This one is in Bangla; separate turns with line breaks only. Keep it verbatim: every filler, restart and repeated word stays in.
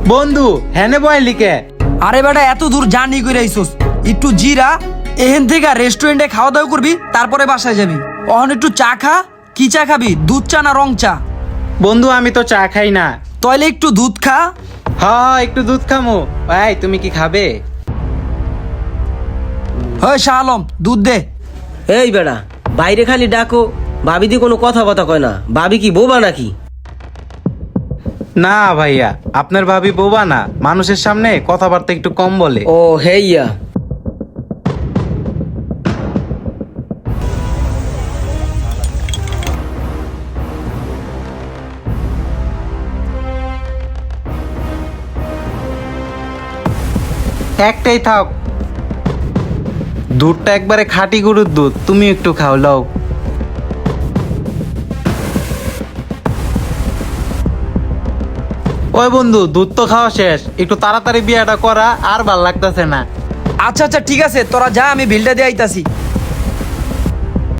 বন্ধু হেনে বয় লিখে।
আরে বেটা এত দূর জার্নি করে আইসোস, একটু জিরা এখান থেকে রেস্টুরেন্টে খাওয়া দাওয়া করবি, তারপরে বাসায় যাবি। অহন একটু চা খা। কি চা খাবি, দুধ চা না রং চা?
বন্ধু আমি তো চা খাই না।
তাইলে একটু দুধ খা।
হ্যাঁ একটু দুধ খামো। ভাই তুমি কি খাবে?
হয় শাহ আলম, দুধ দে।
এই বেড়া, বাইরে খালি ডাকো, ভাবি দি কোনো কথা বথা কয় না। ভাবি কি বোবা নাকি?
না ভাইয়া, আপনার ভাবি বোবা না, মানুষের সামনে কথাবার্তা একটু কম বলে।
ও হেইয়া।
একটাই থাক, দুধটা একবারে খাঁটি গরুর দুধ, তুমি একটু খাও, লাও। ওই বন্ধু দুধ তো খাওয়া শেষ, একটু তাড়াতাড়ি বিয়েটা করা, আর ভাল লাগতেছে না।
আচ্ছা আচ্ছা ঠিক আছে, তোরা যা, আমি বিলটা দিয়ে আইতাছি।